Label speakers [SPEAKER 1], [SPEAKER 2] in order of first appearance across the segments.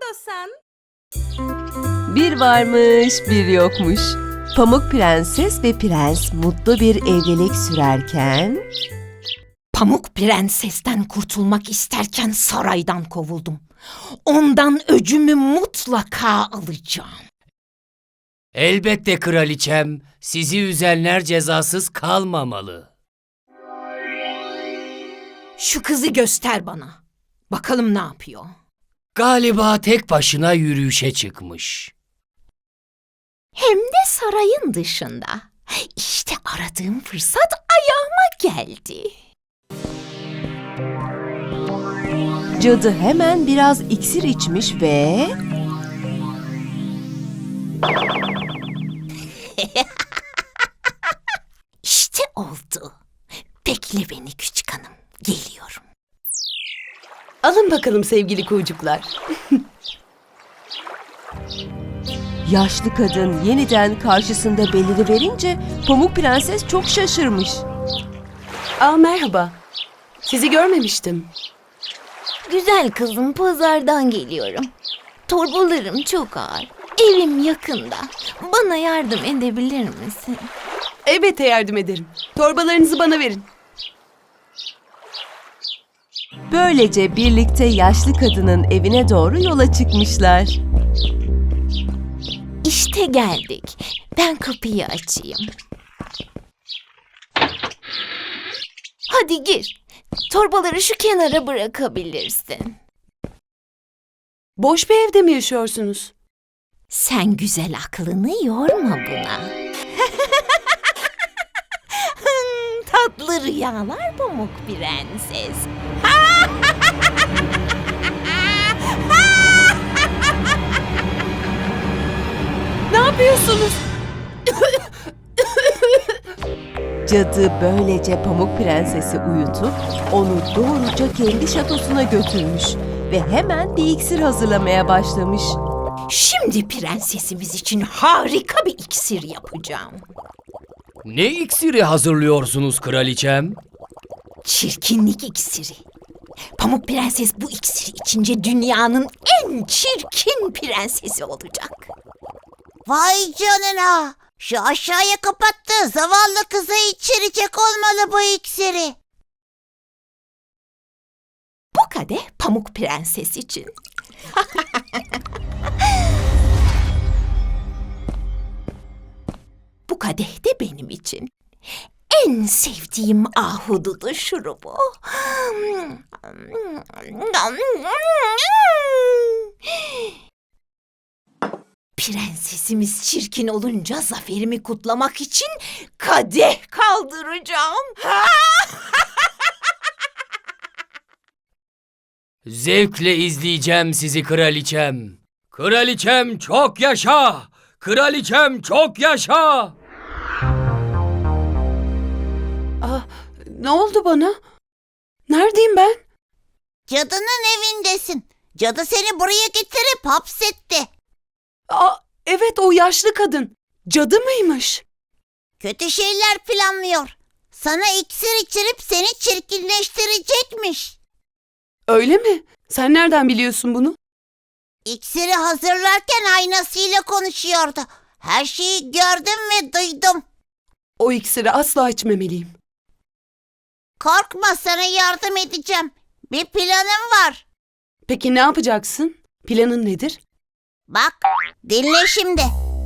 [SPEAKER 1] yapıyorsun?
[SPEAKER 2] Bir varmış, bir yokmuş. Pamuk Prenses ve Prens mutlu bir evlilik sürerken...
[SPEAKER 3] Pamuk Prenses'ten kurtulmak isterken saraydan kovuldum. Ondan öcümü mutlaka alacağım.
[SPEAKER 4] Elbette kraliçem, sizi üzenler cezasız kalmamalı.
[SPEAKER 3] Şu kızı göster bana. Bakalım ne yapıyor.
[SPEAKER 4] Galiba tek başına yürüyüşe çıkmış.
[SPEAKER 3] Hem de sarayın dışında. İşte aradığım fırsat ayağıma geldi.
[SPEAKER 2] Cadı hemen biraz iksir içmiş ve...
[SPEAKER 3] İşte oldu. Bekle beni küçük hanım. Geliyorum.
[SPEAKER 1] Alın bakalım sevgili kuğucuklar.
[SPEAKER 2] Yaşlı kadın yeniden karşısında beliriverince Pamuk Prenses çok şaşırmış.
[SPEAKER 1] Merhaba. Sizi görmemiştim.
[SPEAKER 5] Güzel kızım, pazardan geliyorum. Torbalarım çok ağır. Evim yakında. Bana yardım edebilir misin?
[SPEAKER 1] Elbette yardım ederim. Torbalarınızı bana verin.
[SPEAKER 2] Böylece birlikte yaşlı kadının evine doğru yola çıkmışlar.
[SPEAKER 5] İşte geldik. Ben kapıyı açayım. Hadi gir. Torbaları şu kenara bırakabilirsin.
[SPEAKER 1] Boş bir evde mi yaşıyorsunuz?
[SPEAKER 5] Sen güzel aklını yorma buna. Tatlı rüyalar Pamuk Prenses.
[SPEAKER 1] Ne yapıyorsunuz?
[SPEAKER 2] Cadı böylece Pamuk Prenses'i uyutup onu doğruca kendi şatosuna götürmüş ve hemen bir iksir hazırlamaya başlamış.
[SPEAKER 3] Şimdi prensesimiz için harika bir iksir yapacağım.
[SPEAKER 4] Ne iksiri hazırlıyorsunuz kraliçem?
[SPEAKER 3] Çirkinlik iksiri. Pamuk Prenses bu iksiri içince dünyanın en çirkin prensesi olacak.
[SPEAKER 6] Vay canına! Şu aşağıya kapattığı zavallı kıza içirecek olmalı bu iksiri.
[SPEAKER 3] Bu kadeh Pamuk Prenses için. Bu kadeh de benim için. En sevdiğim ahududu şurubu. Prensesimiz çirkin olunca zaferimi kutlamak için kadeh kaldıracağım.
[SPEAKER 4] Zevkle izleyeceğim sizi kraliçem. Kraliçem çok yaşa! Kraliçem çok yaşa!
[SPEAKER 1] Ne oldu bana? Neredeyim ben?
[SPEAKER 6] Cadının evindesin. Cadı seni buraya getirip hapsetti.
[SPEAKER 1] Evet, o yaşlı kadın. Cadı mıymış?
[SPEAKER 6] Kötü şeyler planlıyor. Sana iksir içirip seni çirkinleştirecekmiş.
[SPEAKER 1] Öyle mi? Sen nereden biliyorsun bunu?
[SPEAKER 6] İksiri hazırlarken aynasıyla konuşuyordu. Her şeyi gördüm ve duydum.
[SPEAKER 1] O iksiri asla içmemeliyim.
[SPEAKER 6] Korkma, sana yardım edeceğim. Bir planım var.
[SPEAKER 1] Peki ne yapacaksın? Planın nedir?
[SPEAKER 6] Bak, dinle şimdi.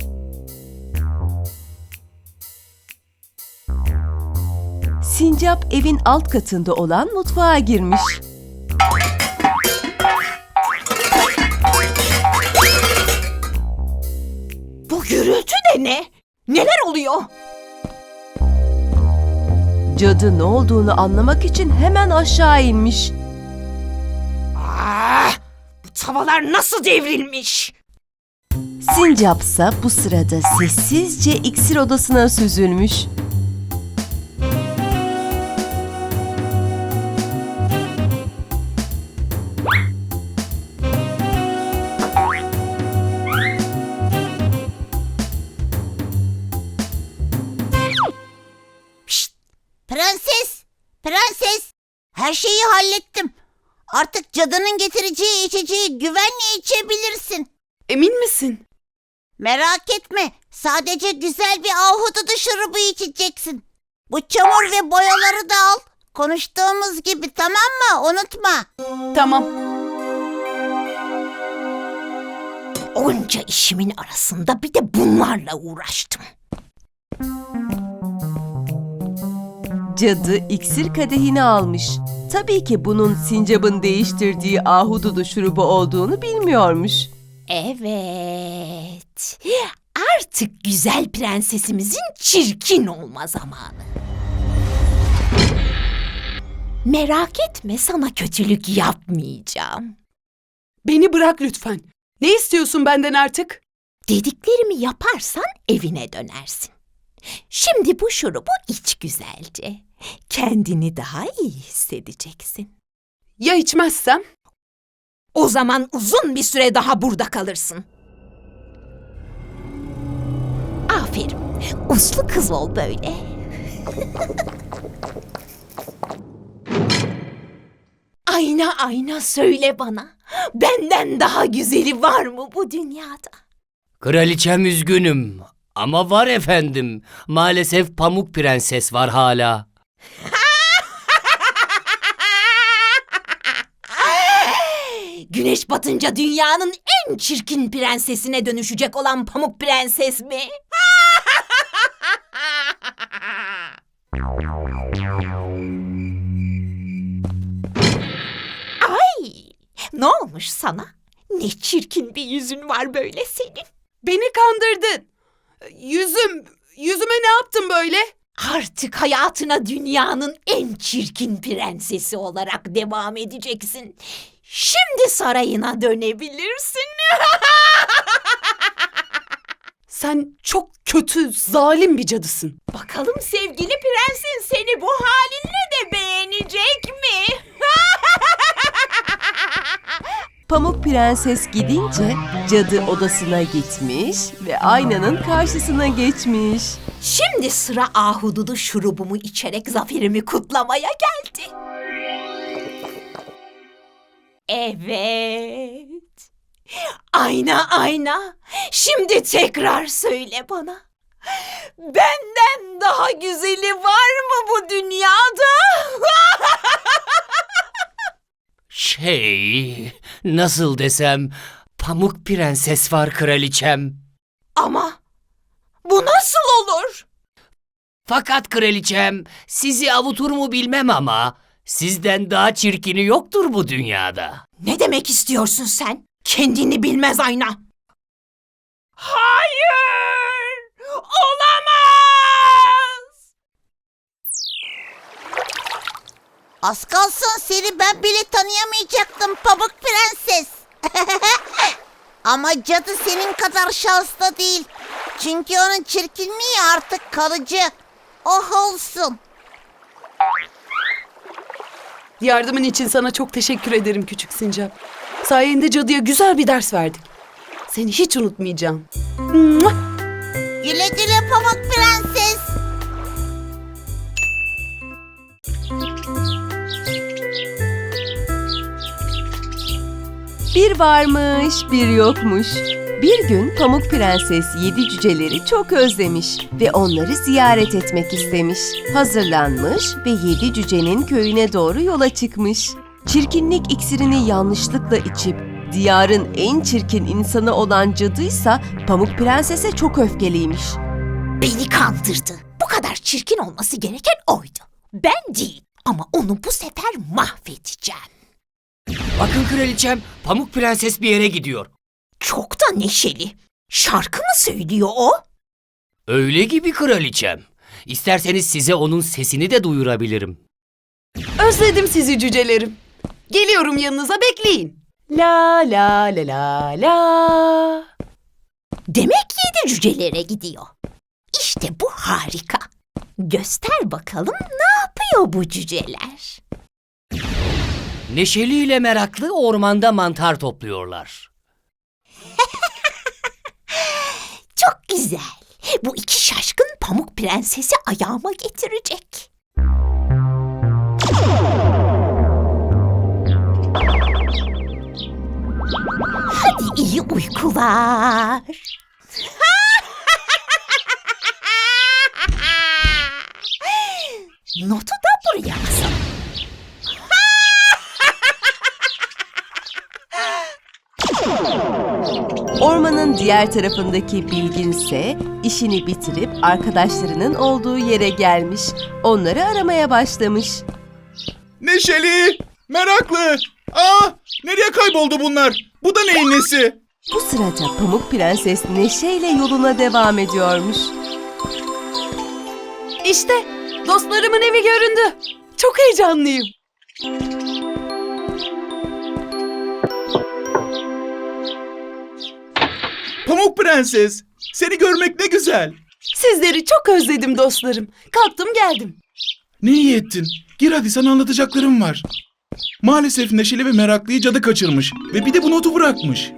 [SPEAKER 2] Sincap evin alt katında olan mutfağa girmiş.
[SPEAKER 3] Bu gürültü de ne? Neler oluyor?
[SPEAKER 2] Cadı ne olduğunu anlamak için hemen aşağı inmiş.
[SPEAKER 3] Bu tavalar nasıl devrilmiş?
[SPEAKER 2] Sincapsa bu sırada sessizce iksir odasına süzülmüş.
[SPEAKER 6] Prenses, prenses. Her şeyi hallettim. Artık cadının getireceği içeceği güvenle içebilirsin.
[SPEAKER 1] Emin misin?
[SPEAKER 6] Merak etme. Sadece güzel bir ahududu şurubu içeceksin. Bu çamur ve boyaları da al. Konuştuğumuz gibi, tamam mı? Unutma.
[SPEAKER 1] Tamam.
[SPEAKER 5] Onca işimin arasında bir de bunlarla uğraştım.
[SPEAKER 2] Cadı iksir kadehini almış. Tabii ki bunun sincabın değiştirdiği ahududu şurubu olduğunu bilmiyormuş.
[SPEAKER 5] Evet. Artık güzel prensesimizin çirkin olma zamanı. Merak etme, sana kötülük yapmayacağım.
[SPEAKER 1] Beni bırak lütfen. Ne istiyorsun benden artık?
[SPEAKER 5] Dediklerimi yaparsan evine dönersin. Şimdi bu şurubu iç güzelce. Kendini daha iyi hissedeceksin.
[SPEAKER 1] Ya içmezsem?
[SPEAKER 5] O zaman uzun bir süre daha burada kalırsın. Aferin. Uslu kız ol böyle. Ayna ayna söyle bana. Benden daha güzeli var mı bu dünyada?
[SPEAKER 4] Kraliçem üzgünüm ama var efendim. Maalesef Pamuk Prenses var hala.
[SPEAKER 5] Güneş batınca dünyanın en çirkin prensesine dönüşecek olan Pamuk Prenses mi? Ay! Ne olmuş sana? Ne çirkin bir yüzün var böyle senin.
[SPEAKER 1] Beni kandırdın. Yüzüme ne yaptın böyle?
[SPEAKER 5] Artık hayatına dünyanın en çirkin prensesi olarak devam edeceksin. Şimdi sarayına dönebilirsin.
[SPEAKER 1] Sen çok kötü, zalim bir cadısın.
[SPEAKER 5] Bakalım sevgili prensin seni bu halinle de beğenecek mi?
[SPEAKER 2] Pamuk Prenses gidince cadı odasına gitmiş ve aynanın karşısına geçmiş.
[SPEAKER 5] Şimdi sıra ahududu şurubumu içerek zaferimi kutlamaya geldi. Evet. Ayna ayna. Şimdi tekrar söyle bana. Benden daha güzeli var mı bu dünyada?
[SPEAKER 4] Nasıl desem, Pamuk Prenses var kraliçem.
[SPEAKER 5] Ama bu nasıl olur?
[SPEAKER 4] Fakat kraliçem, sizi avutur mu bilmem ama sizden daha çirkini yoktur bu dünyada.
[SPEAKER 5] Ne demek istiyorsun sen? Kendini bilmez ayna. Hayır! Olamaz!
[SPEAKER 6] Az kalsın seni ben bile tanıyamayacaktım Pamuk Prenses. Ama cadı senin kadar şanslı değil. Çünkü onun çirkinliği artık kalıcı. Oh olsun.
[SPEAKER 1] Yardımın için sana çok teşekkür ederim küçük sincap. Sayende cadıya güzel bir ders verdik. Seni hiç unutmayacağım. Mua!
[SPEAKER 6] Güle güle Pamuk Prenses.
[SPEAKER 2] Bir varmış, bir yokmuş. Bir gün Pamuk Prenses 7 cüceleri çok özlemiş ve onları ziyaret etmek istemiş. Hazırlanmış ve 7 cücenin köyüne doğru yola çıkmış. Çirkinlik iksirini yanlışlıkla içip diyarın en çirkin insanı olan cadıysa Pamuk Prenses'e çok öfkeliymiş.
[SPEAKER 5] Beni kandırdı. Bu kadar çirkin olması gereken oydu. Ben değil. Ama onu bu sefer mahvedeceğim.
[SPEAKER 4] Bakın kraliçem, Pamuk Prenses bir yere gidiyor.
[SPEAKER 5] Çok da neşeli. Şarkı mı söylüyor o?
[SPEAKER 4] Öyle gibi kraliçem. İsterseniz size onun sesini de duyurabilirim.
[SPEAKER 1] Özledim sizi cücelerim. Geliyorum yanınıza, bekleyin. La la la la la.
[SPEAKER 5] Demek 7 cücelere gidiyor. İşte bu harika. Göster bakalım ne yapıyor bu cüceler?
[SPEAKER 4] Neşeli ile meraklı ormanda mantar topluyorlar.
[SPEAKER 5] Çok güzel. Bu iki şaşkın Pamuk Prensesi ayağıma getirecek. İyi uykular. Notu da buraya asalım.
[SPEAKER 2] Ormanın diğer tarafındaki Bilgin ise işini bitirip arkadaşlarının olduğu yere gelmiş. Onları aramaya başlamış.
[SPEAKER 7] Neşeli, meraklı. Nereye kayboldu bunlar? Bu da neyin nesi?
[SPEAKER 2] Bu sırada Pamuk Prenses neşeyle yoluna devam ediyormuş.
[SPEAKER 1] İşte dostlarımın evi göründü. Çok heyecanlıyım.
[SPEAKER 7] Pamuk Prenses, seni görmek ne güzel.
[SPEAKER 1] Sizleri çok özledim dostlarım. Kalktım geldim.
[SPEAKER 7] Ne iyi ettin. Gir hadi, sana anlatacaklarım var. Maalesef Neşeli ve Meraklı'yı cadı kaçırmış ve bir de bu notu bırakmış.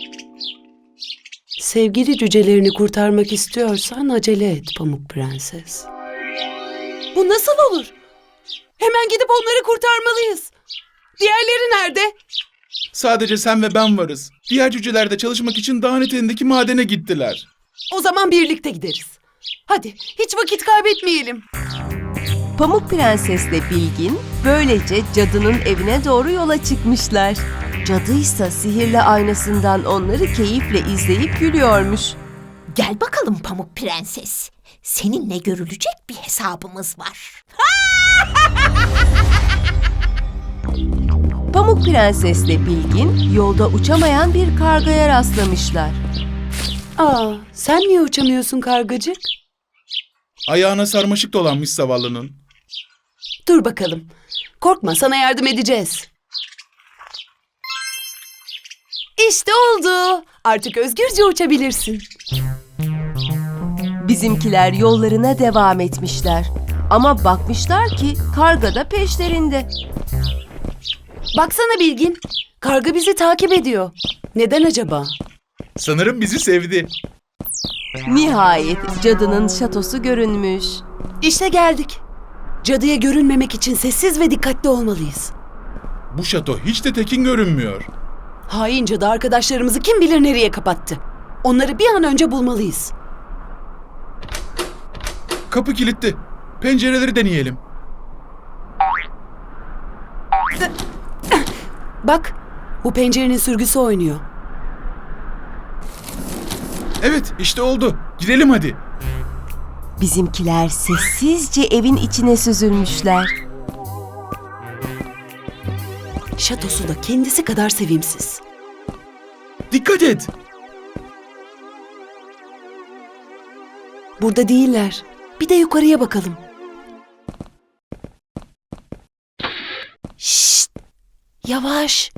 [SPEAKER 1] Sevgili cücelerini kurtarmak istiyorsan acele et Pamuk Prenses. Bu nasıl olur? Hemen gidip onları kurtarmalıyız. Diğerleri nerede?
[SPEAKER 7] Sadece sen ve ben varız. Diğer cüceler de çalışmak için dağın eteğindeki madene gittiler.
[SPEAKER 1] O zaman birlikte gideriz. Hadi hiç vakit kaybetmeyelim.
[SPEAKER 2] Pamuk Prensesle Bilgin böylece cadının evine doğru yola çıkmışlar. Cadı ise sihirli aynasından onları keyifle izleyip gülüyormuş.
[SPEAKER 5] Gel bakalım Pamuk Prenses. Seninle görülecek bir hesabımız var.
[SPEAKER 2] Pamuk Prensesle Bilgin yolda uçamayan bir kargaya rastlamışlar.
[SPEAKER 1] Sen niye uçamıyorsun kargacık?
[SPEAKER 7] Ayağına sarmaşık dolanmış zavallının.
[SPEAKER 1] Dur bakalım. Korkma, sana yardım edeceğiz. İşte oldu. Artık özgürce uçabilirsin.
[SPEAKER 2] Bizimkiler yollarına devam etmişler. Ama bakmışlar ki karga da peşlerinde.
[SPEAKER 1] Baksana Bilgin. Karga bizi takip ediyor. Neden acaba?
[SPEAKER 7] Sanırım bizi sevdi.
[SPEAKER 2] Nihayet cadının şatosu görünmüş.
[SPEAKER 1] İşte geldik. Cadıya görünmemek için sessiz ve dikkatli olmalıyız.
[SPEAKER 7] Bu şato hiç de tekin görünmüyor.
[SPEAKER 1] Hain cadı arkadaşlarımızı kim bilir nereye kapattı. Onları bir an önce bulmalıyız.
[SPEAKER 7] Kapı kilitli. Pencereleri deneyelim.
[SPEAKER 1] Bak, bu pencerenin sürgüsü oynuyor.
[SPEAKER 7] Evet, işte oldu. Girelim hadi.
[SPEAKER 2] Bizimkiler sessizce evin içine süzülmüşler.
[SPEAKER 1] Şatosu da kendisi kadar sevimsiz.
[SPEAKER 7] Dikkat et.
[SPEAKER 1] Burada değiller. Bir de yukarıya bakalım. Şşt! Yavaş.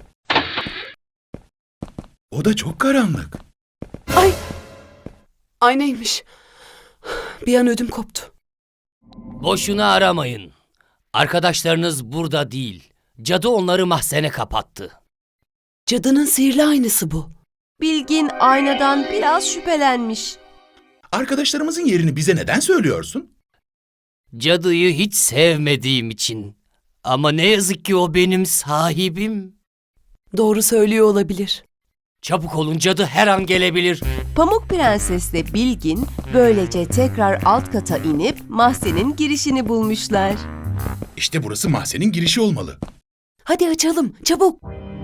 [SPEAKER 7] O da çok karanlık.
[SPEAKER 1] Ay! Aynaymış. Bir an ödüm koptu.
[SPEAKER 4] Boşuna aramayın. Arkadaşlarınız burada değil. Cadı onları mahzene kapattı.
[SPEAKER 1] Cadının sihirli aynası bu.
[SPEAKER 2] Bilgin aynadan biraz şüphelenmiş.
[SPEAKER 7] Arkadaşlarımızın yerini bize neden söylüyorsun?
[SPEAKER 4] Cadıyı hiç sevmediğim için. Ama ne yazık ki o benim sahibim.
[SPEAKER 1] Doğru söylüyor olabilir.
[SPEAKER 4] Çabuk olun, cadı her an gelebilir.
[SPEAKER 2] Pamuk Prensesle Bilgin böylece tekrar alt kata inip mahzenin girişini bulmuşlar.
[SPEAKER 7] İşte burası mahzenin girişi olmalı.
[SPEAKER 1] Hadi açalım, çabuk.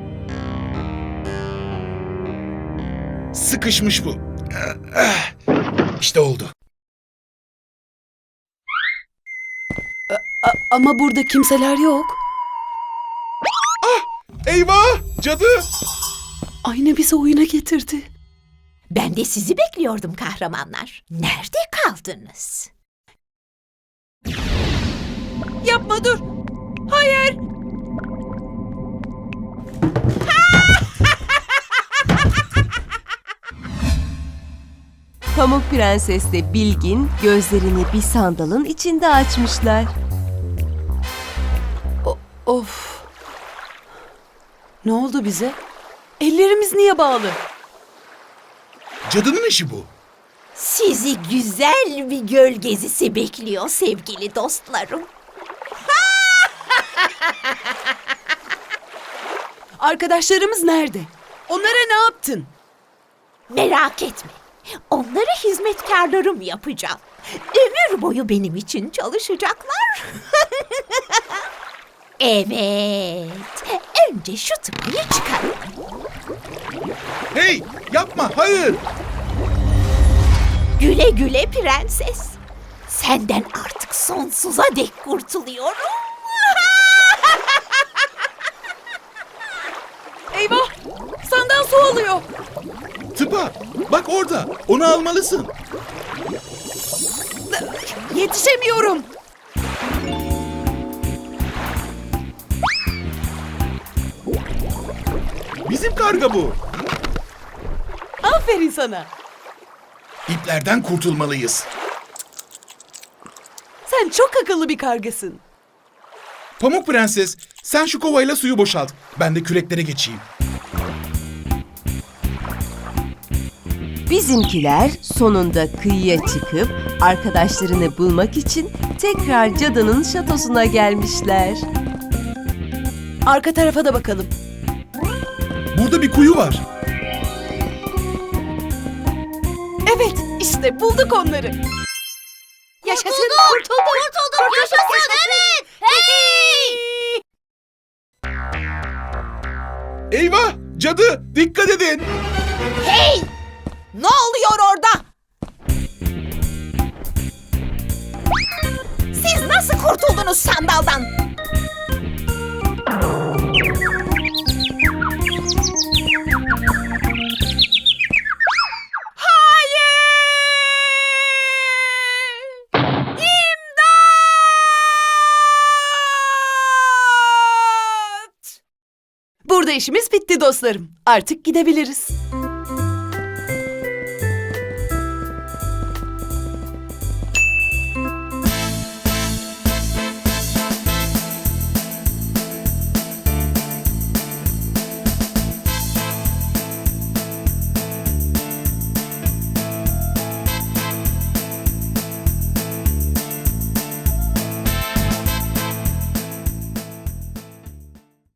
[SPEAKER 7] Sıkışmış bu. İşte oldu.
[SPEAKER 1] Ama burada kimseler yok.
[SPEAKER 7] Eyvah! Cadı!
[SPEAKER 1] Ayna bizi oyuna getirdi.
[SPEAKER 5] Ben de sizi bekliyordum kahramanlar. Nerede kaldınız?
[SPEAKER 1] Yapma, dur. Hayır.
[SPEAKER 2] Pamuk Prensesle Bilgin gözlerini bir sandalın içinde açmışlar.
[SPEAKER 1] Of. Ne oldu bize? Ellerimiz niye bağlı?
[SPEAKER 7] Cadının işi bu.
[SPEAKER 5] Sizi güzel bir göl gezisi bekliyor sevgili dostlarım.
[SPEAKER 1] Arkadaşlarımız nerede? Onlara ne yaptın?
[SPEAKER 5] Merak etme. Onları hizmetkarlarım yapacağım. Ömür boyu benim için çalışacaklar. Evet. Önce şu tıpayı çıkaralım.
[SPEAKER 7] Hey, yapma, hayır.
[SPEAKER 5] Güle güle prenses. Senden artık sonsuza dek kurtuluyorum.
[SPEAKER 1] Eyvah! Senden su alıyor.
[SPEAKER 7] Tıpa, bak orada. Onu almalısın.
[SPEAKER 1] Yetişemiyorum.
[SPEAKER 7] Bizim karga bu.
[SPEAKER 1] Aferin sana.
[SPEAKER 7] İplerden kurtulmalıyız.
[SPEAKER 1] Sen çok akıllı bir kargasın.
[SPEAKER 7] Pamuk Prenses, sen şu kovayla suyu boşalt. Ben de küreklere geçeyim.
[SPEAKER 2] Bizimkiler sonunda kıyıya çıkıp arkadaşlarını bulmak için tekrar cadının şatosuna gelmişler.
[SPEAKER 1] Arka tarafa da bakalım.
[SPEAKER 7] Burada bir kuyu var.
[SPEAKER 1] Evet, işte bulduk onları. Yaşasın, kurtulduk.
[SPEAKER 6] Yaşasın evet. Hey!
[SPEAKER 7] Eyvah! Cadı! Dikkat edin!
[SPEAKER 3] Hey! Ne oluyor orada? Siz nasıl kurtuldunuz sandaldan?
[SPEAKER 1] Burada işimiz bitti dostlarım. Artık gidebiliriz.